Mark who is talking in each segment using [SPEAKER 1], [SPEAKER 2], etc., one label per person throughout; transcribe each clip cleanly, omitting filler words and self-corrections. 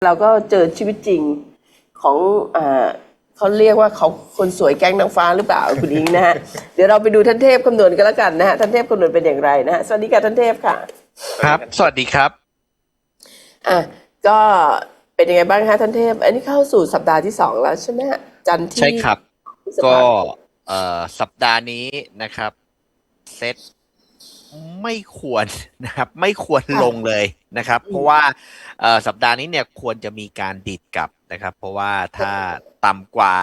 [SPEAKER 1] เราก็เจอชีวิตจริงของเขาเรียกว่าเขาคนสวยแก๊งนางฟ้าหรือเปล่าคุณอิงนะฮะ เดี๋ยวเราไปดูท่านเทพคำนวณกันแล้วกันนะฮะท่านเทพคำนวณเป็นอย่างไรนะฮะสวัสดีค่ะท่านเทพค่ะ
[SPEAKER 2] ครับสวัสดีครับ
[SPEAKER 1] อ่ะก็เป็นยังไงบ้างคะท่านเทพอันนี้เข้าสู่สัปดาห์ที่2แล้วใช่ไหมฮะจันทร์ที่
[SPEAKER 2] ใช่ครับ
[SPEAKER 1] พฤษ
[SPEAKER 2] ก็
[SPEAKER 1] ภาคม
[SPEAKER 2] สัปดาห์นี้นะครับเซตไม่ควรนะครับไม่ควรลง
[SPEAKER 1] ค่ะ
[SPEAKER 2] เลยนะครับ
[SPEAKER 1] อืม
[SPEAKER 2] เพราะว่าสัปดาห์นี้เนี่ยควรจะมีการดิดกลับนะครับเพราะว่าถ้าต่ำกว่า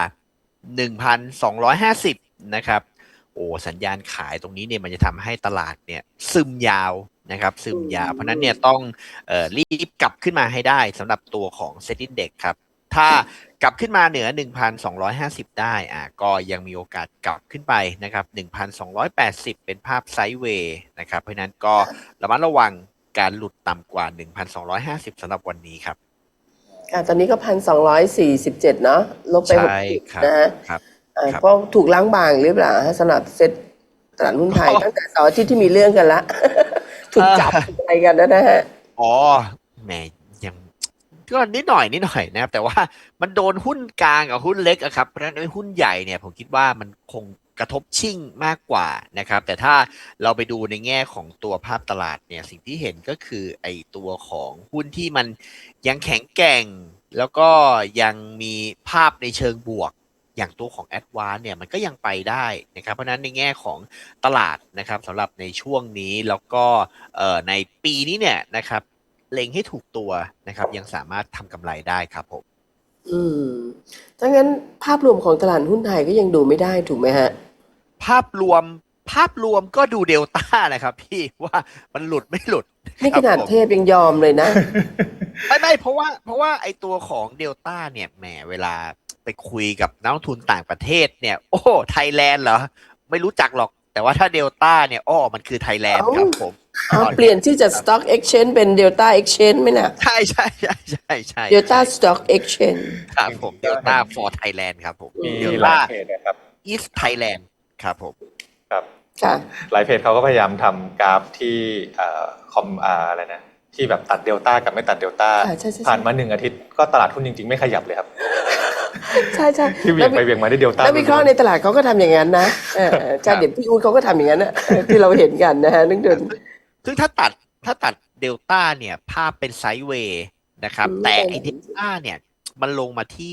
[SPEAKER 2] 1,250นะครับโอ้สัญญาณขายตรงนี้เนี่ยมันจะทำให้ตลาดเนี่ยซึมยาวนะครับซึมยาวเพราะนั้นเนี่ยต้องรีบกลับขึ้นมาให้ได้สำหรับตัวของ Set Index ครับถ้ากลับขึ้นมาเหนือ 1,250 ได้ก็ยังมีโอกาสกลับขึ้นไปนะครับ 1,280 เป็นภาพไซด์เวย์นะครับเพราะนั้นก็ระมัดระวังการหลุดต่ำกว่า 1,250 สำหรับวันนี้ครับ
[SPEAKER 1] ตอนนี้ก็1,247เนาะลบไป6
[SPEAKER 2] ใช่
[SPEAKER 1] จุด
[SPEAKER 2] ครับ
[SPEAKER 1] นะฮะ
[SPEAKER 2] ครับครับ
[SPEAKER 1] เพราะถูกล้างบางหรือเปล่าฮะสำหรับเซ็ตตลาดหุ้นไทยตั้งแต่เสาร์อาทิตย์ที่มีเรื่องกันละ ถูกจับอะไรกันนะฮะ
[SPEAKER 2] อ๋อแหมยังก็นิดหน่อยนะครับแต่ว่ามันโดนหุ้นกลางกับหุ้นเล็กอะครับเพราะฉะนั้นไอ้หุ้นใหญ่เนี่ยผมคิดว่ามันคงกระทบชิ่งมากกว่านะครับแต่ถ้าเราไปดูในแง่ของตัวภาพตลาดเนี่ยสิ่งที่เห็นก็คือไอ้ตัวของหุ้นที่มันยังแข็งแกร่งแล้วก็ยังมีภาพในเชิงบวกอย่างตัวของ Advance เนี่ยมันก็ยังไปได้นะครับเพราะฉะนั้นในแง่ของตลาดนะครับสำหรับในช่วงนี้แล้วก็ในปีนี้เนี่ยนะครับเล็งให้ถูกตัวนะครับยังสามารถทำกำไรได้ครับผม
[SPEAKER 1] อืมถ้างั้นภาพรวมของตลาดหุ้นไทยก็ยังดูไม่ได้ถูกไหมฮะ
[SPEAKER 2] ภาพรวมภาพรวมก็ดูเดลต้านะครับพี่ว่ามันหลุดไม่หลุด
[SPEAKER 1] นี่
[SPEAKER 2] ครับผม
[SPEAKER 1] ขนาดเทพยังยอมเลยนะ
[SPEAKER 2] ไม่เพราะว่าไอตัวของเดลต้าเนี่ยแหมเวลาไปคุยกับนักลงทุนต่างประเทศเนี่ยโอ้ไทยแลนด์เหรอไม่รู้จักหรอกแต่ว่าถ้าเดลต้าเนี่ยอ้อมันคือไทยแลน
[SPEAKER 1] เอ้า
[SPEAKER 2] ด์ครับผมตอน
[SPEAKER 1] เปลี่
[SPEAKER 2] เนี้ย
[SPEAKER 1] ยนชื่อจาก Stock Exchange เป็น Delta Exchange ไหมน่ะ
[SPEAKER 2] ใช่
[SPEAKER 1] Delta Stock Exchange
[SPEAKER 2] ครับผมเด
[SPEAKER 3] ก็เห็น
[SPEAKER 2] ลต้า for Thailand ครับผม
[SPEAKER 1] อื
[SPEAKER 3] มี
[SPEAKER 2] เดล
[SPEAKER 3] หลา
[SPEAKER 2] ต้า
[SPEAKER 3] ยเพจนะครับ
[SPEAKER 2] East Thailand ครับผม
[SPEAKER 3] ครับ
[SPEAKER 1] ค่ะ
[SPEAKER 3] หลายเพจเขาก็พยายามทำกราฟที่คอมอะไรนะที่แบบตัดเดลต้ากับไม่ตัดเดลต้า
[SPEAKER 1] ค่ะใช่ใช่
[SPEAKER 3] ผ่านมา1 อาทิตย์ก็ตลาดหุ้นจริงๆไม่ขยับเลยครับ
[SPEAKER 1] ใช่ใช่
[SPEAKER 3] ที่เวียงไปเวียงมาได้เดลต้า
[SPEAKER 1] แล้ววิเคราะห์ในตลาดเขาก็ทำอย่างนั้นนะใช่เดี๋ยวพี่อู๊ดเขาก็ทำอย่างนั้นนะที่เราเห็นกันนะฮะนึกถึง
[SPEAKER 2] ซึ่งถ้าตัดเดลต้าเนี่ยภาพเป็นไซด์เวย์นะครับแต่ไอเดลต้าเนี่ยมันลงมาที่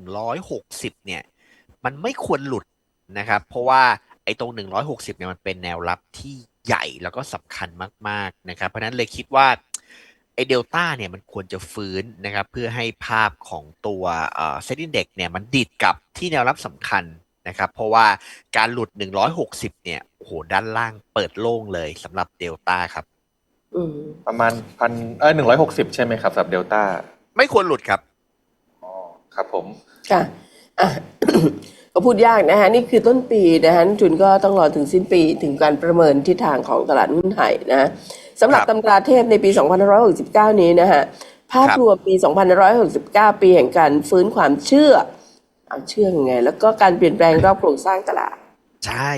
[SPEAKER 2] 160เนี่ยมันไม่ควรหลุดนะครับเพราะว่าไอตรง160เนี่ยมันเป็นแนวรับที่ใหญ่แล้วก็สำคัญมากๆนะครับเพราะฉะนั้นเลยคิดว่าไอเดลต้าเนี่ยมันควรจะฟื้นนะครับเพื่อให้ภาพของตัวเซ็นดิ้งเด็กเนี่ยมันดิดกลับที่แนวรับสำคัญนะครับเพราะว่าการหลุด160เนี่ยโอ้โหด้านล่างเปิดโล่งเลยสำหรับเดลต้าครับ
[SPEAKER 1] อืม
[SPEAKER 3] ประมาณ160ใช่ไหมครับสำหรับเดลต้า
[SPEAKER 2] ไม่ควรหลุดครับ
[SPEAKER 3] อ๋อครับผม
[SPEAKER 1] ค่ะอ่ะ ก็พูดยากนะฮะนี่คือต้นปีนะฮะนักลงทุนก็ต้องรอถึงสิ้นปีถึงการประเมินทิศทางของตลาดหุ้นไทยนะฮะสำหรับตำราเทพในปี2569นี้นะฮะภาพรวมปี2569ปีแห่งการฟื้นความเชื่อเอาเชื่อยังไงแล้วก็การเปลี่ยนแปลงรอบโครงสร้างตลาด
[SPEAKER 2] ใช่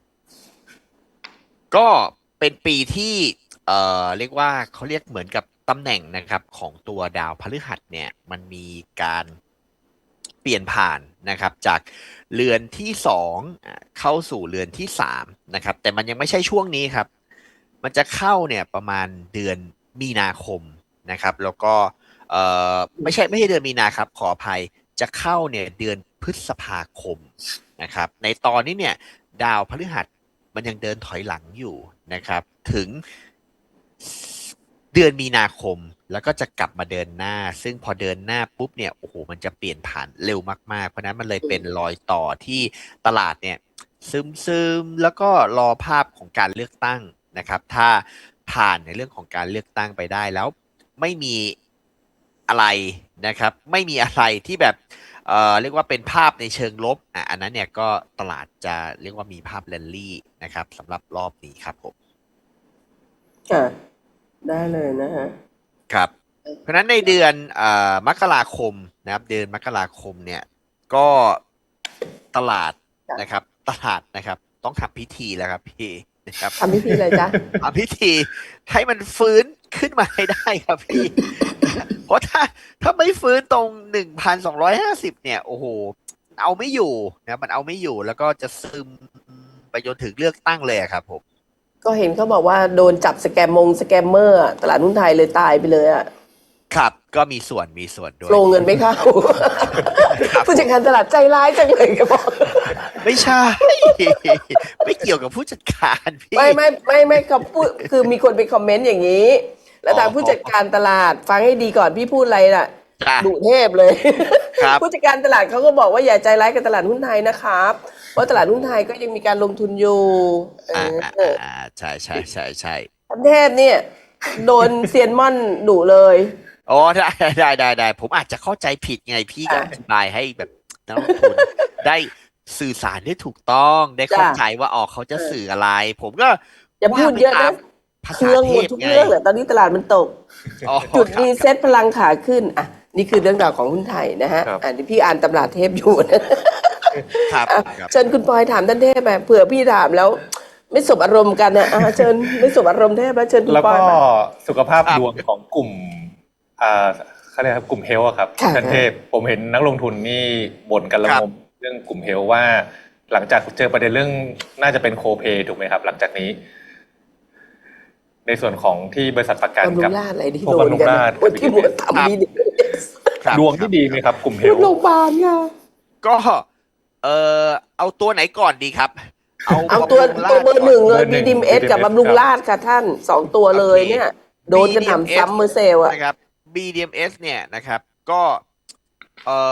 [SPEAKER 2] ก็เป็นปีที่เรียกว่าเขาเรียกเหมือนกับตำแหน่งนะครับของตัวดาวพฤหัสเนี่ยมันมีการเปลี่ยนผ่านนะครับจากเรือนที่2เข้าสู่เรือนที่3นะครับแต่มันยังไม่ใช่ช่วงนี้ครับมันจะเข้าเนี่ยประมาณเดือนมีนาคมนะครับแล้วก็ไม่ใช่เดือนมีนาครับขออภัยจะเข้าเนี่ยเดือนพฤษภาคมนะครับในตอนนี้เนี่ยดาวพฤหัสมันยังเดินถอยหลังอยู่นะครับถึงเดือนมีนาคมแล้วก็จะกลับมาเดินหน้าซึ่งพอเดินหน้าปุ๊บเนี่ยโอ้โหมันจะเปลี่ยนผ่านเร็วมากๆเพราะนั้นมันเลยเป็นรอยต่อที่ตลาดเนี่ยซึมๆแล้วก็รอภาพของการเลือกตั้งนะครับถ้าผ่านในเรื่องของการเลือกตั้งไปได้แล้วไม่มีอะไรนะครับไม่มีอะไรที่แบบเรียกว่าเป็นภาพในเชิงลบอันนั้นเนี่ยก็ตลาดจะเรียกว่ามีภาพแรลลี่นะครับสำหรับรอบนี้ครับผม
[SPEAKER 1] ค่ะได้เลยนะฮะ
[SPEAKER 2] ครับเพราะฉะนั้นในเดือนมกราคมนะครับเดือนมกราคมเนี่ยก็ตลาดนะครับตลาดนะครับต้องทำพิธีแล้วครับพี่นะครับ
[SPEAKER 1] ทำพิธีอะไรจ๊ะ
[SPEAKER 2] ทำพิธีให้มันฟื้นขึ้นมาให้ได้ครับพี่เพราะถ้าไม่ฟื้นตรง 1,250 เนี่ยโอ้โหเอาไม่อยู่นะมันเอาไม่อยู่แล้วก็จะซึมไปจนถึงเลือกตั้งเลยอะครับผม
[SPEAKER 1] ก็เห็นเขาบอกว่าโดนจับสแกมเมอร์อะตลาดหุ้นไทยเลยตายไปเลยอ่ะ
[SPEAKER 2] ครับก็มีส่วนด้วย
[SPEAKER 1] โฟลว์เงินไม่เข้า
[SPEAKER 2] ครับ
[SPEAKER 1] ผู้จัดการตลาดใจร้ายจังเลยก็บอก
[SPEAKER 2] ไม่ใช่ ไม่เกี่ยวกับผู้จัดการพี่
[SPEAKER 1] ไม่เขาพูดคือมีคนไปคอมเมนต์อย่างนี้ แล้วทางผู้จัดการตลาดฟังให้ดีก่อนพี่พูดอะไรน่ะ
[SPEAKER 2] จ้ะ
[SPEAKER 1] ดุเทพเลย
[SPEAKER 2] ครับ
[SPEAKER 1] ผู้จัดการตลาดเขาก็บอกว่าอย่าใจร้ายกับตลาดหุ้นไทยนะครับเพราะตลาดหุ้นไทยก็ยังมีการลงทุนอยู่
[SPEAKER 2] ใช่
[SPEAKER 1] ท่านเทพเนี่ยโดนเซียนม่อนดุเลย
[SPEAKER 2] อ๋อได้ผมอาจจะเข้าใจผิดไงพี่ก็อธิบายให้แบบนักลงทุนได้สื่อสารได้ถูกต้องได้เข้าใจว่าเขาจะสื่ออะไร ผมก็
[SPEAKER 1] อย่าพูดเยอะนะ
[SPEAKER 2] ภา
[SPEAKER 1] เค
[SPEAKER 2] ษา
[SPEAKER 1] รื่อง
[SPEAKER 2] เท
[SPEAKER 1] หมด
[SPEAKER 2] พ
[SPEAKER 1] ทุก
[SPEAKER 2] ไง
[SPEAKER 1] เรื่องเลยตอนนี้ตลาดมันตก จุดรีเซ็ตพลังขาขึ้นอ่ะนี่คือเรื่องราวของหุ้นไทยนะฮะอันนี้พี่อ่านตำราเทพอยู่นะครับเชิญคุณปอยถามท่านเทพไปเผื่อพี่ถามแล้ว ไม่สบอารมณ์กันนะเชิญไม่สบอารมณ์เทพแล้วเชิญคุณ
[SPEAKER 3] แล้ว
[SPEAKER 1] ปอย
[SPEAKER 3] ก็
[SPEAKER 1] มา
[SPEAKER 3] สุขภาพดวงของกลุ่มเขาเรียกครับกลุ่มเฮลท์ครับ
[SPEAKER 1] ค่ะ
[SPEAKER 3] ท่านเทพผมเห็นนักลงทุนนี่บ่นกันระงมเรื่องกลุ่มเฮลท์ว่า หลังจากเจอประเด็นเรื่องน่าจะเป็นโคเพย์ถูกไหมครับ หลังจากนี้ ในส่วนของที่บริษัทประกัน
[SPEAKER 1] บำรุ
[SPEAKER 3] กับ
[SPEAKER 1] งราษฎร์อะไรที่
[SPEAKER 3] พวก
[SPEAKER 1] โดน
[SPEAKER 3] บำรุง
[SPEAKER 1] กัน
[SPEAKER 3] ราษฎร์
[SPEAKER 1] คนที่บวชทำมีดี
[SPEAKER 3] ดวงที่ดีไหมครับ กลุ่มเฮลท์
[SPEAKER 1] โรงพยาบาลค่ะ
[SPEAKER 2] ก็เอาตัวไหนก่อนดีครับ
[SPEAKER 1] เอาตัว
[SPEAKER 2] บำรุงราษฎ
[SPEAKER 1] เบอร์หนึ่งเลย
[SPEAKER 3] เบอร์หนึ่
[SPEAKER 1] บี
[SPEAKER 3] ง
[SPEAKER 1] ดิมเอสกับบำรุงราษฎร์ค่ะท่านสองตัวเลยเนี่ย โดนกันหนำซ้ำเมอร์เซลอะ
[SPEAKER 2] นะครับ BDMs เนี่ยนะครับก็เอ่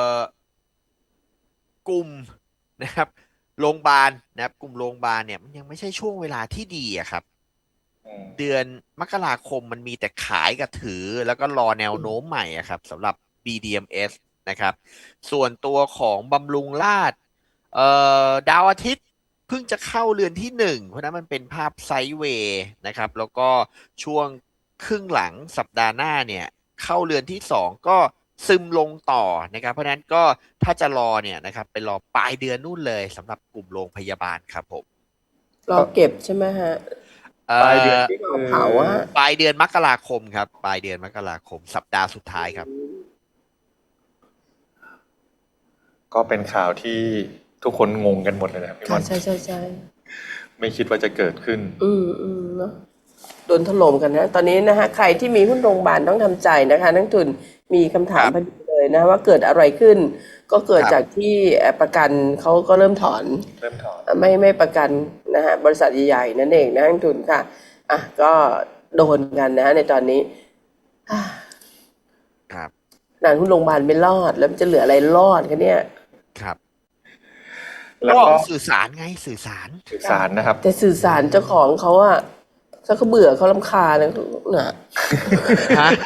[SPEAKER 2] อกลุ่มนะครับโรงพยาบาลนะครับกลุ่มโรงพยาบาลเนี่ยมันยังไม่ใช่ช่วงเวลาที่ดีอะครับ เดือนมกราคมมันมีแต่ขายกับถือแล้วก็รอแนวโน้มใหม่อะครับสำหรับ BDMs นะครับส่วนตัวของบำรุงราษฎร์ดาวอาทิตย์เพิ่งจะเข้าเรือนที่หนึ่งเพราะนั้นมันเป็นภาพไซด์เวย์นะครับแล้วก็ช่วงครึ่งหลังสัปดาห์หน้าเนี่ยเข้าเรือนที่สองก็ซึมลงต่อนะครับเพราะนั้นก็ถ้าจะรอเนี่ยนะครับไปรอปลายเดือนนู่นเลยสำหรับกลุ่มโรงพยาบาลครับผม
[SPEAKER 1] รอเก็บใช่ไหมฮะ
[SPEAKER 3] ปลายเดือนนี่
[SPEAKER 1] เผาอะ
[SPEAKER 2] ปลายเดือนมกราคมครับปลายเดือนมกราคมสัปดาห์สุดท้ายครับ
[SPEAKER 3] ก็เป็นข่าวที่ทุกคนงงกันหมดเลยนะครับพี่ม
[SPEAKER 1] ค่ะ
[SPEAKER 3] อน
[SPEAKER 1] ใช่
[SPEAKER 3] ไม่คิดว่าจะเกิดขึ้น
[SPEAKER 1] เนาะโดนถล่มกันนะ ตอนนี้นะฮะใครที่มีหุ้นโรงพยาบาลต้องทำใจนะคะนักทุนมีคำถาม
[SPEAKER 2] ครับ
[SPEAKER 1] พอดีเลยนะว่าเกิดอะไรขึ้น ก็เกิด
[SPEAKER 2] ครับ
[SPEAKER 1] จากที่ประกันเขาก็เริ่มถอน
[SPEAKER 3] เริ่มถอน
[SPEAKER 1] ไม่ประกันนะฮะบริษัทใหญ่ๆนั่นเองนะนักทุนค่ะอ่ะก็โดนกันนะในตอนนี้อ่ะ
[SPEAKER 2] ครับ
[SPEAKER 1] นานหุ้นโรงพยาบาลไม่รอด แล้วมันจะเหลืออะไรรอดกันเนี่ย
[SPEAKER 2] ครับ
[SPEAKER 3] แล้ว
[SPEAKER 2] ก็
[SPEAKER 3] ก็
[SPEAKER 2] สื่อสารไงสื่อสาร
[SPEAKER 3] สื่อสารนะครับ
[SPEAKER 1] แต่สื่อสารเจ้าของเขาอะถ้าเขาเบื่อเขารำคาญนะ
[SPEAKER 2] ฮะ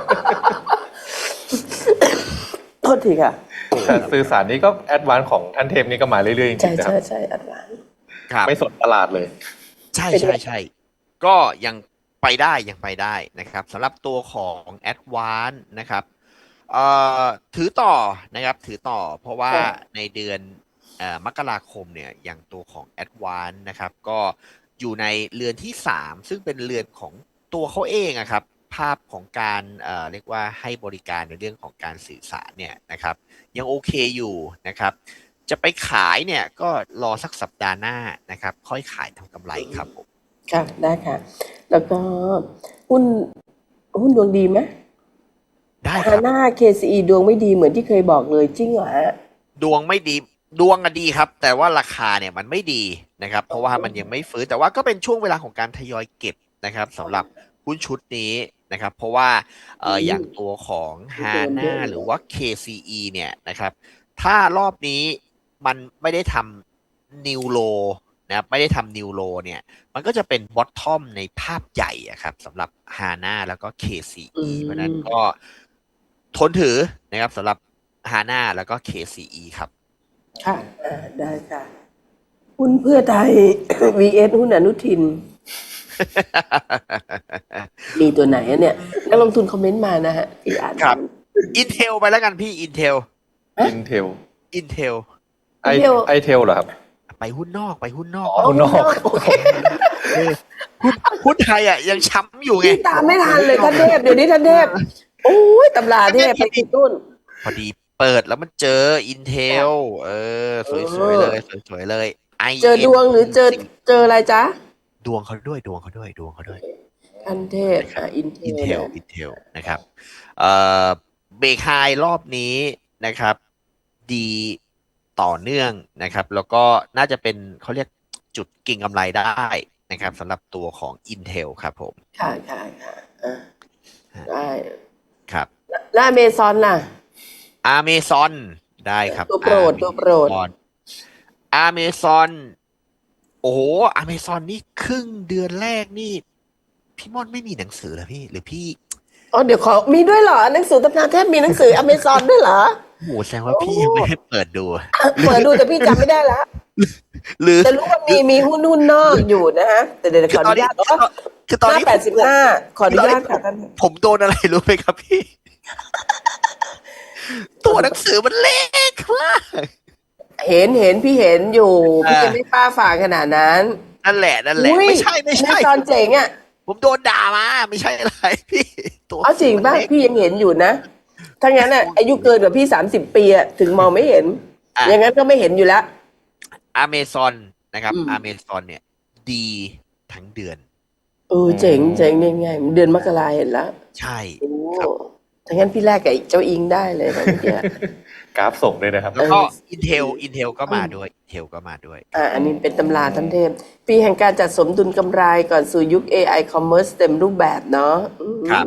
[SPEAKER 1] โทษทีค่ะ
[SPEAKER 3] แต่สื่อสารนี้ก็แอดวานซ์ของท่านเทพนี่ก็มาเรื่อยๆจริ
[SPEAKER 1] ใช่
[SPEAKER 3] งๆนะครับ
[SPEAKER 1] ใช่อัดหวาน
[SPEAKER 2] ครับ
[SPEAKER 3] ไม่สนตลาดเลย
[SPEAKER 2] ใช่
[SPEAKER 1] เป็นไง
[SPEAKER 2] ใช่ก็ยังไปได้นะครับสำหรับตัวของ Advance นะครับถือต่อนะครับถือต่อเพราะว่าในเดือนมกราคมเนี่ยอย่างตัวของ Advance นะครับก็อยู่ในเรือนที่3ซึ่งเป็นเรือนของตัวเขาเองอะครับภาพของการเรียกว่าให้บริการในเรื่องของการสื่อสารเนี่ยนะครับยังโอเคอยู่นะครับจะไปขายเนี่ยก็รอสักสัปดาห์หน้านะครับค่อยขายทำกำไรครับผม
[SPEAKER 1] ค่ะได้ค่ะ แล้วก็หุ้นดวงดีไหม
[SPEAKER 2] ได้ค
[SPEAKER 1] ฮา
[SPEAKER 2] รับ
[SPEAKER 1] น่า KCE ดวงไม่ดีเหมือนที่เคยบอกเลยจริงเหรอฮะ
[SPEAKER 2] ดวงไม่ดีดวงอะดีครับ แต่ว่าราคาเนี่ยมันไม่ดีนะครับ เพราะว่ามันยังไม่ฟื้นแต่ว่าก็เป็นช่วงเวลาของการทยอยเก็บนะครับสำหรับหุ้นชุดนี้นะครับ เพราะว่าอย่างตัวของฮาน่าหรือว่า KCE เนี่ยนะครับ ถ้ารอบนี้มันไม่ได้ทำนิวโลนะครับไม่ได้ทำนิวโลเนี่ยมันก็จะเป็นบอททอมในภาพใหญ่อะครับสำหรับฮาน่าแล้วก็ KCE เพราะฉะนั้นก็ทนถือนะครับสำหรับฮาน่าแล้วก็ KCE ครับ
[SPEAKER 1] ค่ะได้ค่ะ หุ้นเพื่อไทย vs หุ้นอนุทิน มีตัวไหนอะเนี่ยนักลงทุนคอมเมนต์มานะฮะที่อ่าน
[SPEAKER 2] ครับ Intel ไปแล้วกันพี่ Intel
[SPEAKER 3] Intel
[SPEAKER 2] Intel
[SPEAKER 3] ไอเทลเหรอครับ
[SPEAKER 2] ไปหุ้นนอก
[SPEAKER 3] อ๋อหุ้นนอก
[SPEAKER 1] โอเค
[SPEAKER 2] หุ้นไทยอ่ะยังช้ำอยู่ไง
[SPEAKER 1] พี่ตามไม่ทันเลยท่านเทพเดี๋ยวนี้ท่านเทพโอ้ยตำราเทพไปที่ตุ้น
[SPEAKER 2] พอดีเปิดแล้วมันเจอ Intel สวยๆเลยสวยๆเลย
[SPEAKER 1] เจอดวงหรือเจออะไรจ๊ะ
[SPEAKER 2] ดวงเขาด้วยดวงเขาด้วยดวงเขาด้วย
[SPEAKER 1] คันเทพอินเทลเนี่ย
[SPEAKER 2] Intel นะครับเอ่อเบรกไฮรอบนี้นะครับ ดีต่อเนื่องนะครับ แล้วก็น่าจะเป็นเขาเรียกจุดเก็งกำไรได้นะครับสำหรับตัวของ Intel ครับผม
[SPEAKER 1] ค่ะได้
[SPEAKER 2] ครับ
[SPEAKER 1] แล้วอเมซอนล่ะ
[SPEAKER 2] Amazon ได้ครับ
[SPEAKER 1] ตัวโปรด
[SPEAKER 2] Amazon โอ้โห Amazon นี่ครึ่งเดือนแรกนี่ พี่ม่อนไม่มีหนังสือเหรอพี่ หรือพี่
[SPEAKER 1] อ๋อเดี๋ยวมีด้วยเหรอหนังสือตำราเทพมีหนังสืออเมซอนด้วยเหรอ
[SPEAKER 2] โอ้โหแสดงว่าพี่ยังไม่ได้เปิดดู
[SPEAKER 1] เปิดดูแต่พี่จำไม่ได้ละ
[SPEAKER 2] หรือ
[SPEAKER 1] แต่รู้ว่ามีหุ้นนอกอยู่นะฮะแต่เดี๋ยวขออนุญาต
[SPEAKER 2] คือตอน
[SPEAKER 1] หน้า
[SPEAKER 2] นี้
[SPEAKER 1] 85ขออนุญาตค่ะท่าน
[SPEAKER 2] ผมโดนอะไรรู้ไหมครับพี่ ตัวหนังสือมันเล็กมาก
[SPEAKER 1] เห็นพี่เห็นอยู่พี่จะไม่ป้าฝ่าขนาดนั้น
[SPEAKER 2] นั่นแหละ
[SPEAKER 1] อุ๊ย
[SPEAKER 2] ไม่ใช่
[SPEAKER 1] อเมซอนเจ๋งอ่ะ
[SPEAKER 2] ผมโดนด่ามาไม่ใช่อะไรพี่ตัว
[SPEAKER 1] เอาจริงป่ะพี่ยังเห็นอยู่นะถ้างั้นอ่ะอายุเกินกว่าพี่30 ปีอ่ะถึงมองไม่เห็นอย่างนั้นก็ไม่เห็นอยู่แล้ว
[SPEAKER 2] Amazon นะครับ
[SPEAKER 1] อืม
[SPEAKER 2] Amazon เนี่ย ดีทั้งเดือน
[SPEAKER 1] เจ๋งยังไงเดือนมกราเห็นแล้ว
[SPEAKER 2] ใช่
[SPEAKER 1] โอ้
[SPEAKER 2] ครับ
[SPEAKER 1] ถ้างั้นพี่แรกกับเจ้าอิงได้เลยนะเมื่อกี้
[SPEAKER 3] กราฟส่งเลยนะครับ
[SPEAKER 2] แล้วก็ Intel ก็มาด้วย Intel ก็มาด้วย
[SPEAKER 1] อันนี้เป็นตำราท่านเทพ ปีแห่งการจัดสมดุลกำไรก่อนสู่ยุค AI Commerce เต็มรูปแบบเนาะ
[SPEAKER 2] ครับ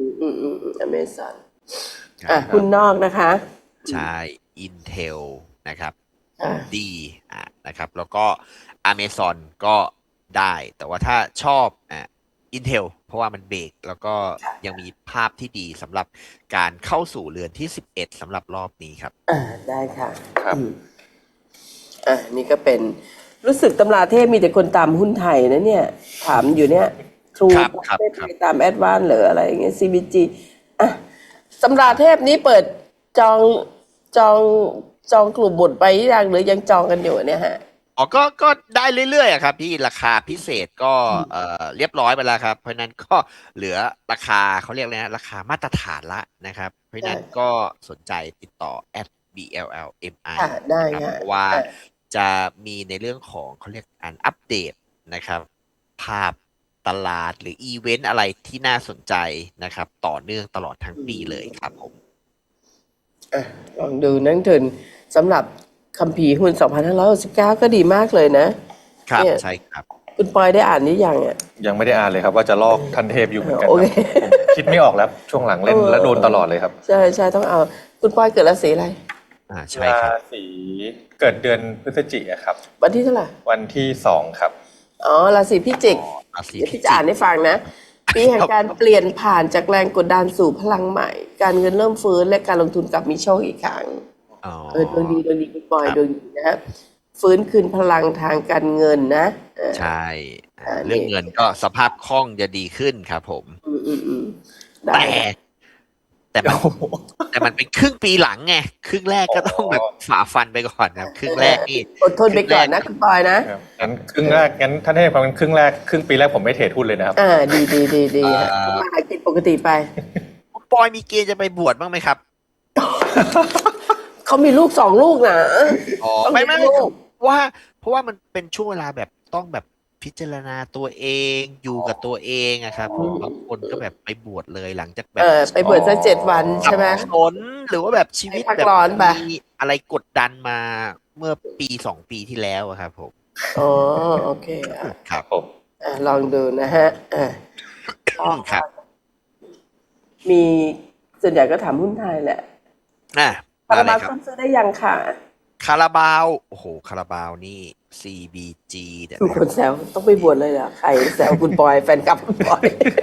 [SPEAKER 1] Amazon
[SPEAKER 2] ครับ
[SPEAKER 1] หุ้นนอกนะคะ
[SPEAKER 2] ใช่ Intel นะครับ
[SPEAKER 1] อ่ะ
[SPEAKER 2] ดีนะครับ แล้วก็ Amazon ก็ได้ แต่ว่าถ้าชอบIntel เพราะว่ามันเบรกแล้วก็ยังมีภาพที่ดีสำหรับการเข้าสู่เรือนที่ 11สำหรับรอบนี้ครับ
[SPEAKER 1] ได้ค่ะ
[SPEAKER 3] ครับ
[SPEAKER 1] นี่ก็เป็นรู้สึกตำราเทพมีแต่คนตามหุ้นไทยนะเนี่ย ถามอยู่เนี่ยทรู
[SPEAKER 2] ครับ
[SPEAKER 1] ไม่ไปตามแอดวานหรืออะไรอย่างเงี้ย CBG ตำราเทพนี้เปิดจองกลุ่มบทไปยังหรือยังจองกันอยู่เนี่ยฮะ
[SPEAKER 2] อ๋อก็ได้เรื่อยๆอะครับพี่ราคาพิเศษก็เรียบร้อยไปแล้วครับ เพราะฉะนั้นก็เหลือราคาเขาเรียกอะไรนะราคามาตรฐานละนะครับ เพราะฉะนั้นก็สนใจติดต่อ @BLLMI
[SPEAKER 1] ได้
[SPEAKER 2] นะครับ
[SPEAKER 1] ค่ะ
[SPEAKER 2] เพราะว่าจะมีในเรื่องของเขาเรียกอัปเดตนะครับ ภาพตลาดหรืออีเวนต์อะไรที่น่าสนใจนะครับ ต่อเนื่องตลอดทั้งปีเลยครับผม
[SPEAKER 1] ลองดูนักทุนสำหรับคัมภีร์หุ้น 2569 ก็ดีมากเลยนะครับ เนี่ย
[SPEAKER 2] ใช่ครับ
[SPEAKER 1] คุณปอยได้อ่านหรือยังอ่ะ
[SPEAKER 3] ยังไม่ได้อ่านเลยครับ ว่าจะลอกทันเทพอยู่เหมือนกัน
[SPEAKER 1] โอ
[SPEAKER 3] ค
[SPEAKER 1] เค
[SPEAKER 3] รับผมคิดไม่ออกแล้วช่วงหลังเล่นแล้วโดนตลอดเลยครับ
[SPEAKER 1] ใช่ต้องเอา คุณปอยเกิดราศีอะไร
[SPEAKER 2] ใช่ครับ
[SPEAKER 3] ราศีเกิดเดือนพฤศจิกายนครับ
[SPEAKER 1] วันที่เท่าไหร่
[SPEAKER 3] วันที่2ครับ
[SPEAKER 1] ราศีพิจิก
[SPEAKER 2] ราศี
[SPEAKER 1] เดี๋ยว
[SPEAKER 2] พิ
[SPEAKER 1] พี่
[SPEAKER 2] จิ
[SPEAKER 1] จะอ่าน
[SPEAKER 2] ก
[SPEAKER 1] ให้ฟังนะ ปีแห่งการเปลี่ยนผ่านจากแรงกดดันสู่พลังใหม่ การเงินเริ่มฟื้นและการลงทุนกลับมีโชคอีกครั้ง ดวงดีคุณปอย
[SPEAKER 2] ครับ
[SPEAKER 1] ดวงดีนะฮะฟื้นคืนพลังทางการเงินนะ
[SPEAKER 2] ใช่
[SPEAKER 1] นี่
[SPEAKER 2] เรื่องเงินก็สภาพคล่องจะดีขึ้นครับผม
[SPEAKER 1] ได้
[SPEAKER 2] แต่มันเป็นครึ่งปีหลังไงครึ่งแรกก็ต้องแบบฝ่าฟันไปก่อนครับครึ่งแรกนี่
[SPEAKER 1] อดทนไปก่อนนะคุณปอยนะ
[SPEAKER 3] งั้นครึ่งแรกงั้นท่านเทพครับงั้นครึ่งปีแรกผมไม่เทรดหุ้นเลยนะครับ
[SPEAKER 1] ดีฮะทำมาหากินปกติไป
[SPEAKER 2] ปอยมีเกณฑ์จะไปบวชบ้างไหมครับ
[SPEAKER 1] เขามีลูก2 ลูกนะ ต้อง
[SPEAKER 2] ไม่
[SPEAKER 1] มีลูก
[SPEAKER 2] เพราะว่ามันเป็นช่วงเวลาแบบต้องแบบพิจารณาตัวเองอยู่กับตัวเองอะครับผมบางคนก็แบบไปบวชเลยหลังจากแบบ
[SPEAKER 1] ไปบวชสัก7 วันใช่ไหม
[SPEAKER 2] สับสนหรือว่าแบบชีวิต
[SPEAKER 1] ให้พัก
[SPEAKER 2] แบบ
[SPEAKER 1] ร้อนไป
[SPEAKER 2] มีอะไรกดดันมาเมื่อปี2 ปีที่แล้วอะครับผม
[SPEAKER 1] โอเค
[SPEAKER 3] ครับผม
[SPEAKER 1] ลองดูนะฮะ
[SPEAKER 2] ครับ
[SPEAKER 1] มีส่วนใหญ่ก็ถามหุ้นไทยแหละ
[SPEAKER 2] มา
[SPEAKER 1] คารา
[SPEAKER 2] เล
[SPEAKER 1] บาวย
[SPEAKER 2] ครับ
[SPEAKER 1] ซื้อได้ยังค่ะ
[SPEAKER 2] คาราบาวโอ้โหคาราบาวนี่ CBG เดี๋ยว
[SPEAKER 1] มีคนแซวต้องไปบวชเลยเหรอใครแซวคุณปอยแฟนคลับคุณปอย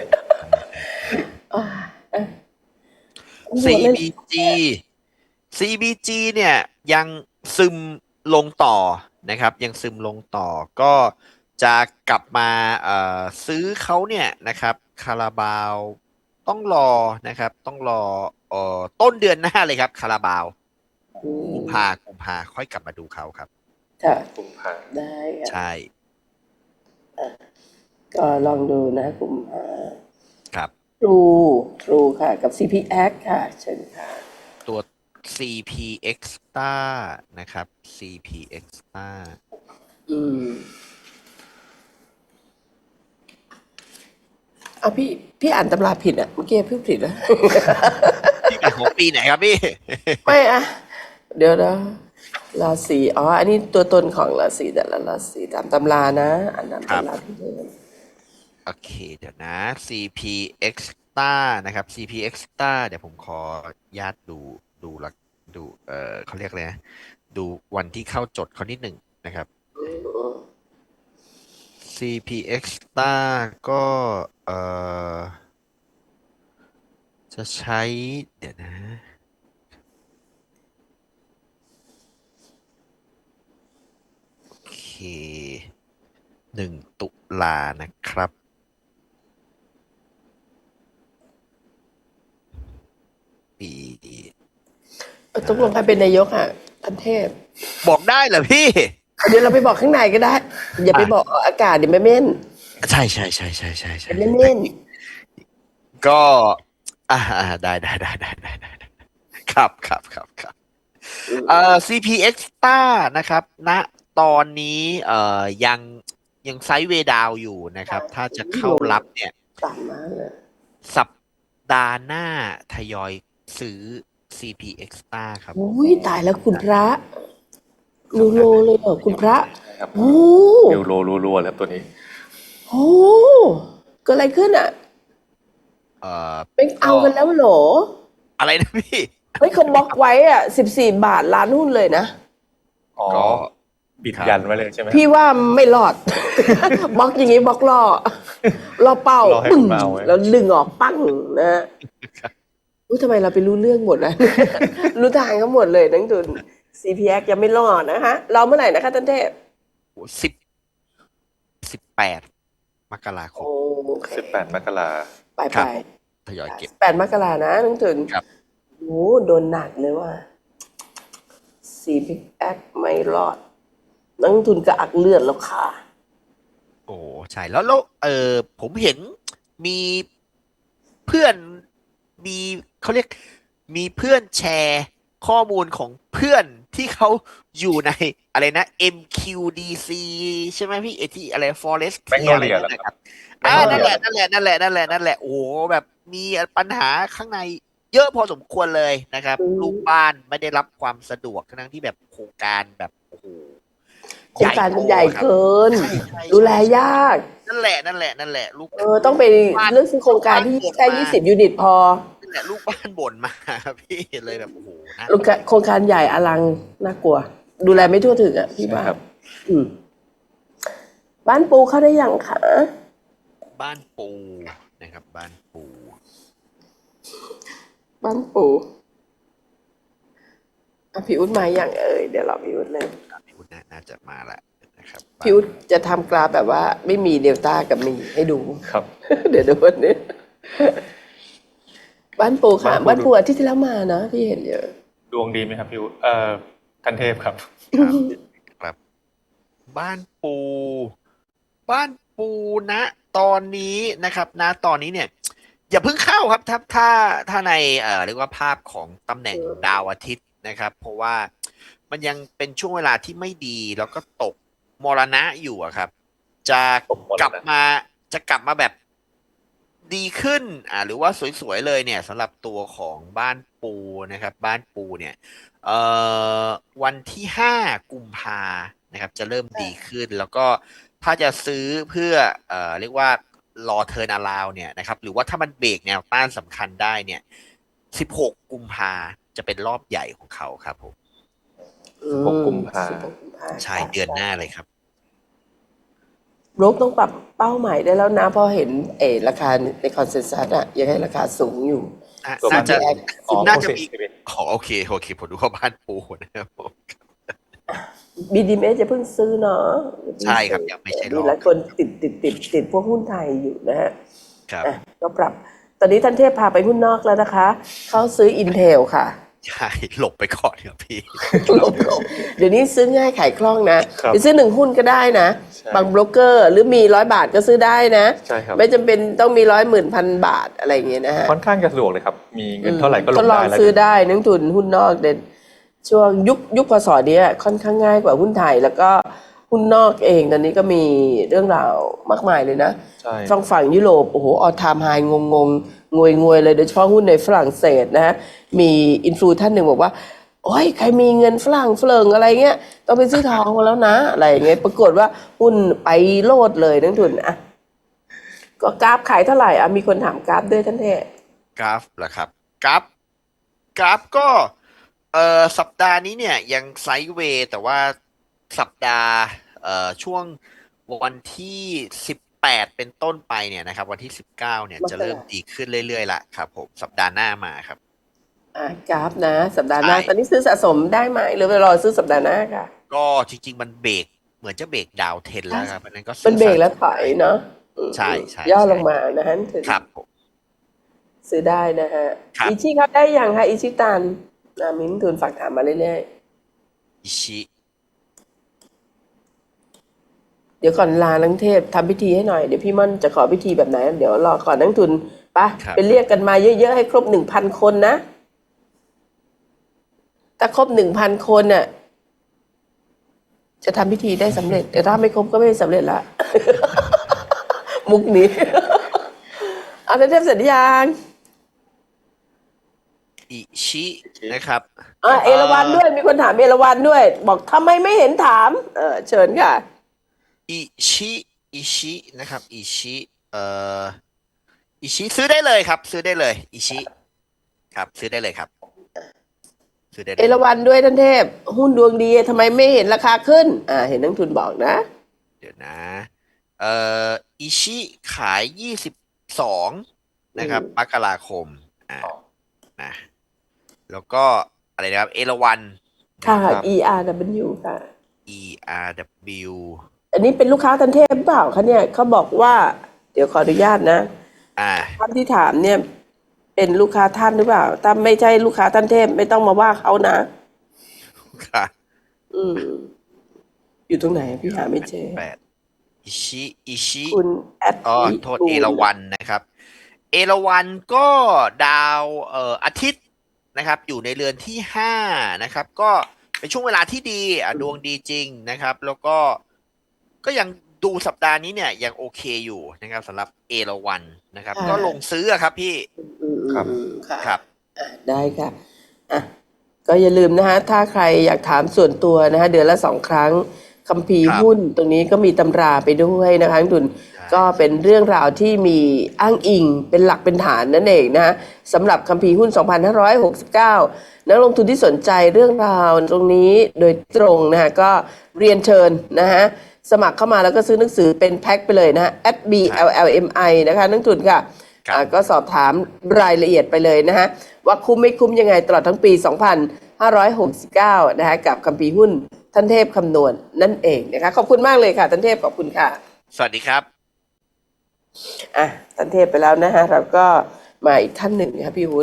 [SPEAKER 2] CBG CBG เนี่ยยังซึมลงต่อนะครับ ยังซึมลงต่อก็จะกลับมาซื้อเขาเนี่ยนะครับคาราบาวต้องรอนะครับ ต้องรอต้นเดือนหน้าเลยครับคาราบาวกุมภาค่อยกลับมาดูเขาครับ
[SPEAKER 1] ค่ะ
[SPEAKER 3] กุมภา
[SPEAKER 1] ได้ค่ะ
[SPEAKER 2] ใช่
[SPEAKER 1] ก็ลองดูนะกลุ่ม
[SPEAKER 2] ครับ
[SPEAKER 1] โป True ค่ะ กับ CPX ค่ะ เชิญค่ะ
[SPEAKER 2] ตัว CPX Star นะครับ CPX Star
[SPEAKER 1] อืมเอาพี่อ่านตำราผิดอ่ะเมื่อกี้พี่ผิดแล้ว
[SPEAKER 2] ที่เป็นของปีไหนครับพี่
[SPEAKER 1] ไม่อะเดี๋ยวนะราศีอ๋ออันนี้ตัวตนของราศีแต่ละราศีตามตำรานะอ่านตาม
[SPEAKER 2] ครับ
[SPEAKER 1] ตำราที่เดิม
[SPEAKER 2] โอเคเดี๋ยวนะ CPX Star นะครับ CPX Star เดี๋ยวผมขอญาตดูละดูเขาเรียกอะไรนะดูวันที่เข้าจดเขานิดหนึ่งนะครับ CPX Star ก็จะใช้เดี๋ยวนะโอเค1 ตุลานะครับปี
[SPEAKER 1] ตกลงใครเป็นนายกอ่ะท่านเทพ
[SPEAKER 2] บอกได้เหรอพี่
[SPEAKER 1] เดี๋ยวเราไปบอกข้างในก็ได้ อย่าไปบอกออกอากาศเดี๋ยวไม่เม่น
[SPEAKER 2] ใช่
[SPEAKER 1] เดี๋ยวไม่เม่น
[SPEAKER 2] ก็ได้ครับCPX Star นะครับณตอนนี้ยังไซด์เวย์ดาวอยู่นะครับ ถ้าจะเข้ารับเนี่ย
[SPEAKER 1] ต่ำมากเลย
[SPEAKER 2] สัปดาห์หน้าทยอยซื้อ CPX Star ครับ
[SPEAKER 1] อุ้ยตายแล้วคุณพระนูโรเลยเหรอคุณพระ
[SPEAKER 3] ใช่ครับ
[SPEAKER 1] โอ้
[SPEAKER 3] นิวโรรัวๆเลยครับตัวนี้
[SPEAKER 1] โหเกิดอะไรขึ้นอ่ะ
[SPEAKER 2] เอ่อ
[SPEAKER 1] ไม่เอากันแล้วเหรอ
[SPEAKER 2] อะไรนะพี่
[SPEAKER 1] เฮ้ยเขาบล็อกไว้อ่ะ14 บาทล้านหุ้นเลยนะ
[SPEAKER 3] อ๋อ
[SPEAKER 2] ก็
[SPEAKER 3] บิดยันไว้เลยใช่ไหม
[SPEAKER 1] พี่ว่าไม่รอด บล็อกอย่างงี้บล็อกล่อเป้าร
[SPEAKER 3] อให้
[SPEAKER 1] ปึ้
[SPEAKER 3] คุ
[SPEAKER 1] ง
[SPEAKER 3] ณมาเอาไว้
[SPEAKER 1] แล้วดึงออกปั้งนะรู้ทำไมเราไปรู้เรื่องหมดนะ รู้ทางก็หมดเลยนักทุน CPX ยังไม่รอดนะคะเราเมื่อไหร่นะคะท่านเทพ
[SPEAKER 2] 18 มกราคม
[SPEAKER 1] โอเค
[SPEAKER 3] 18 มกรา
[SPEAKER 1] ไป
[SPEAKER 2] ครั
[SPEAKER 1] ไป
[SPEAKER 2] บ ทยอยเก็บ
[SPEAKER 1] 8 มกรานะนักทุน
[SPEAKER 2] ครับ
[SPEAKER 1] โอ้โดนหนักเลยว่า CPX ไม่รอดนักทุนกระอักเลือดแล้วค่ะ
[SPEAKER 2] โอ้ใช่แล้วผมเห็นมีเพื่อนมีเขาเรียกมีเพื่อนแชร์ข้อมูลของเพื่อนที่เขาอยู่ในอะไรนะ MQDC ใช่ไหมพี่ที่อะไร Forest
[SPEAKER 3] แมกโน
[SPEAKER 2] อะไร
[SPEAKER 3] เลีย
[SPEAKER 2] นั่นนะครับ
[SPEAKER 3] แมกโนเลี
[SPEAKER 2] นั่
[SPEAKER 3] ย
[SPEAKER 2] นแหละโอ้โหแบบมีปัญหาข้างในเยอะพอสมควรเลยนะครับ
[SPEAKER 1] อืม
[SPEAKER 2] ลูกบ้านไม่ได้รับความสะดวกทั้งที่แบบโครงการแบบโอ้โห
[SPEAKER 1] โครงการมันใหญ่
[SPEAKER 2] ครับ
[SPEAKER 1] เกิน
[SPEAKER 2] ใช่
[SPEAKER 1] ดูแลยาก
[SPEAKER 2] นั่นแหละลูก
[SPEAKER 1] ต้องไปเลือกซื้อโครงการที่แค่20 ยูนิตพอ
[SPEAKER 2] นั่นแหละลูกบ้านบ่นมาพี่เลยแบบโอ้โหนะ
[SPEAKER 1] โครงการใหญ่อลังน่ากลัว ดูแลไม่ทั่วถึงอ่ะพี่ว่า
[SPEAKER 3] ครับ
[SPEAKER 1] อืมบ้านปูเข้าได้ยังคะ
[SPEAKER 2] บ้านปูนะครับ บ้านปู
[SPEAKER 1] บ้านปูอ่ะพี่อุ๊ดมาอย่างเดี๋ยวเราพี่อุ๊ดเลย
[SPEAKER 2] พี่วุฒิน่าจะมาแล้วนะครับ
[SPEAKER 1] พี่อุ๊ดจะทำกราฟแบบว่าไม่มีเดลต้ากับมีให้ดู
[SPEAKER 3] ครับ
[SPEAKER 1] เดี๋ยวดูวันนี้บ้านปูค่ะ
[SPEAKER 3] บ้า
[SPEAKER 1] บ้าน น
[SPEAKER 3] ปู
[SPEAKER 1] ปูอาทิตย์ที่แล้วมานะพี่เห็นเยอะ
[SPEAKER 3] ดวงดีไหมครับพี่ท่านเทพครับ
[SPEAKER 2] ครับ บ้านปู บ้านปูนะตอนนี้นะครับนะตอนนี้เนี่ย อย่าเพิ่งเข้าครับถ้าในเรียกว่าภาพของตำแหน่งดาวอาทิตย์นะครับ เพราะว่ามันยังเป็นช่วงเวลาที่ไม่ดีแล้วก็ตกมรณะอยู่อะครับ จะ
[SPEAKER 3] ตกมรณะ
[SPEAKER 2] กลับมาแบบดีขึ้นหรือว่าสวยๆเลยเนี่ยสำหรับตัวของบ้านปูนะครับ บ้านปูเนี่ยวันที่5 กุมภานะครับ จะเริ่มดีขึ้น แล้วก็ถ้าจะซื้อเพื่อเรียกว่ารอเทิร์นอราวเนี่ยนะครับ หรือว่าถ้ามันเบรกแนวต้านสำคัญได้เนี่ย16 กุมภาจะเป็นรอบใหญ่ของเขาครับผม
[SPEAKER 3] 16 กุมภา
[SPEAKER 1] 16 กุมภา
[SPEAKER 2] ใช่เดือนหน้าเลยครับ
[SPEAKER 1] โรคต้องปรับเป้าหมายได้แล้วนะเพราะเห็นราคาในคอนเซนแซสอะยังให้ราคาสูงอยู่
[SPEAKER 3] ตัว
[SPEAKER 2] น่าจะ
[SPEAKER 3] อ๋อ
[SPEAKER 2] น่าจะมี
[SPEAKER 3] 60
[SPEAKER 2] โอเคผมดูว่าบ้านปูนะครับผม
[SPEAKER 1] BDMs จะเพิ่งซื้อเนาะ
[SPEAKER 2] ใช่ครับยังไม่ใช่รอบ
[SPEAKER 1] มีหลายคนติดพวกหุ้นไทยอยู่นะฮะ
[SPEAKER 2] ครับ
[SPEAKER 1] ก็ปรับ ตอนนี้ท่านเทพพาไปหุ้นนอกแล้วนะคะ เขาซื้อ Intel ค่ะ
[SPEAKER 2] ใช่หลบไปก่อนครับพี่
[SPEAKER 1] หลบเดี๋ยวนี้ซื้อง่ายขายคล่องนะครับ ไปซื้อ1 หุ้นก็ได้นะ
[SPEAKER 3] ใช่
[SPEAKER 1] บางโบรกเกอร์หรือมี100 บาทก็ซื้อได้นะ
[SPEAKER 3] ใช่ครับ
[SPEAKER 1] ไม่จำเป็นต้องมี100,000,000 บาทอะไรอย่างเงี้ยนะฮะ
[SPEAKER 3] ค่อนข้างจะสะดวกเลยครับ มีเงินเท่าไหร่ก็ล
[SPEAKER 1] ท
[SPEAKER 3] ง
[SPEAKER 1] ดลอ
[SPEAKER 3] ได้
[SPEAKER 1] ง
[SPEAKER 3] แล้ว
[SPEAKER 1] ซื้อได้นักทุนหุ้นนอกเด่นช่วงยุคพศเนี้ยค่อนข้างง่ายกว่าหุ้นไทย แล้วก็หุ้นนอกเองตอนนี้ก็มีเรื่องราวมากมายเลยนะ
[SPEAKER 3] ใช่
[SPEAKER 1] ฝั่งยุโรปโอ้โหออลไทม์ไฮงงงวยเลยโดยเฉพาะหุ้นในฝรั่งเศสนะฮะมีอินฟลูท่านหนึ่งบอกว่าโอ้ยใครมีเงินฝรั่งอะไรเงี้ยต้องไปซื้อทองมาแล้วนะอะไรอย่างเงี้ยปรากฏว่าหุ้นไปโลดเลยนักทุนอ่ะก็กราฟขายเท่าไหร่อ่ะมีคนถามกราฟด้วยท่านเทพ
[SPEAKER 2] กราฟเหรอครับกราฟก็สัปดาห์นี้เนี่ยยังไซด์เวย์แต่ว่าสัปดาห์ช่วงวันที่18เป็นต้นไปเนี่ยนะครับวันที่19เนี่ยจะเริ่มดีขึ้นเรื่อยๆละครับผมสัปดาห์หน้ามาครับ
[SPEAKER 1] กราฟนะสัปดาห์หน้า
[SPEAKER 2] ใช่
[SPEAKER 1] ตอนนี้ซื้อสะสมได้ไหมหรือไปรอซื้อสัปดาห์หน้าค่ะ
[SPEAKER 2] ก็จริงๆมันเบรกเหมือนจะเบรกดาวเทนแล้วครับเพราะฉะนั้นก็ซื้อ
[SPEAKER 1] เป็นเบรกแล้ว
[SPEAKER 2] สะสม
[SPEAKER 1] ถอยเนาะ
[SPEAKER 2] ใช่ใช่
[SPEAKER 1] ย่อ
[SPEAKER 2] ใช่
[SPEAKER 1] ลงมานะฮะถึง
[SPEAKER 2] ครับผม
[SPEAKER 1] ซื้อได้นะฮะ
[SPEAKER 2] ครับ
[SPEAKER 1] อิชิครับได้ยังคะอิชิตันมิ้นทุนฝากถามมาเรื่อย
[SPEAKER 2] อิชิ
[SPEAKER 1] ๆเดี๋ยวก่อนลานังเทพทำพิธีให้หน่อยเดี๋ยวพี่ม่อนจะขอพิธีแบบไหน เดี๋ยวรอก่อนนักทุนไปไปเรียกกันมาเยอะๆให้ครบ 1,000 คนนะถ้าครบ 1,000 คนน่ะจะทำพิธีได้สำเร็จแต่ถ้าไม่ครบก็ไม่สำเร็จละ มุกนี้ เอาเทพเสร็จหรือยัง
[SPEAKER 2] อิชินะครับ
[SPEAKER 1] เอราวัณด้วยมีคนถามเอราวัณด้วย บอกทำไมไม่เห็นถามเชิญค่ะ
[SPEAKER 2] อิชินะครับอิชิอิชิซื้อได้เลยครับ ซื้อได้เลยอิชิครับซื้อได้เลยครับซื้อได้เล
[SPEAKER 1] เอยราวัณด้วยท่านเทพ หุ้นดวงดีทำไมไม่เห็นราคาขึ้นเห็นนักทุนบอกนะ
[SPEAKER 2] เดี๋ยวนะอิชิขาย22นะครับมกราคมนะแล้วก็อะไรนะครับเอราวัณ
[SPEAKER 1] ค่ะ
[SPEAKER 3] ครับ
[SPEAKER 1] ERW ค่ะ
[SPEAKER 2] ERW
[SPEAKER 1] อันนี้เป็นลูกค้าท่านเทพเปล่าคะเนี่ยเขาบอกว่า เดี๋ยวขออนุญาตนะ
[SPEAKER 2] อ่า
[SPEAKER 1] ท่านที่ถามเนี่ย เป็นลูกค้าท่านหรือเปล่าถ้าไม่ใช่ลูกค้าท่านเทพไม่ต้องมาว่าเขานะ
[SPEAKER 2] ค่ะ
[SPEAKER 1] อยู่ตรงไหนพี่หาไม่เจอ
[SPEAKER 2] อิชิ
[SPEAKER 1] คุณแอด
[SPEAKER 2] โทษเอราวัณนะครับ เอราวัณก็ดาวอาทิตย์นะครับ อยู่ในเรือนที่5นะครับ ก็เป็นช่วงเวลาที่ดีดวงดีจริงนะครับ แล้วก็ยังดูสัปดาห์นี้เนี่ยยังโอเคอยู่นะครับสำหรับเอราวัณนะครับ ก็ลงซื้ออะครับพี่
[SPEAKER 3] ครับ
[SPEAKER 1] ค่ะ
[SPEAKER 2] ครับ
[SPEAKER 1] ได้ค่ะก็อย่าลืมนะฮะถ้าใครอยากถามส่วนตัวนะฮะเดือนละ2 ครั้งคัมภีร์
[SPEAKER 2] ครับ
[SPEAKER 1] หุ้นตรงนี้ก็มีตำราไปด้วยนะคะนักทุน
[SPEAKER 2] ใช่
[SPEAKER 1] ก็เป็นเรื่องราวที่มีอ้างอิงเป็นหลักเป็นฐานนั่นเองนะฮะสำหรับคัมภีร์หุ้น 2569 นักลงทุนที่สนใจเรื่องราวตรงนี้โดยตรงนะฮะก็เรียนเชิญนะฮะสมัครเข้ามาแล้วก็ซื้อหนังสือเป็นแพ็คไปเลยนะฮะ @BLLMI นะคะนักทุนค่ะ
[SPEAKER 2] ครับ
[SPEAKER 1] ก็สอบถามรายละเอียดไปเลยนะฮะว่าคุ้มไม่คุ้มยังไงตลอดทั้งปี 2569 นะฮะกับคัมภีร์หุ้นท่านเทพคำนวณนั่นเองนะคะขอบคุณมากเลยค่ะท่านเทพขอบคุณค่ะ
[SPEAKER 2] สวัสดีครับ
[SPEAKER 1] ท่านเทพไปแล้วนะฮะเราก็มาอีกท่านหนึ่งนะคะพี่วุฒิ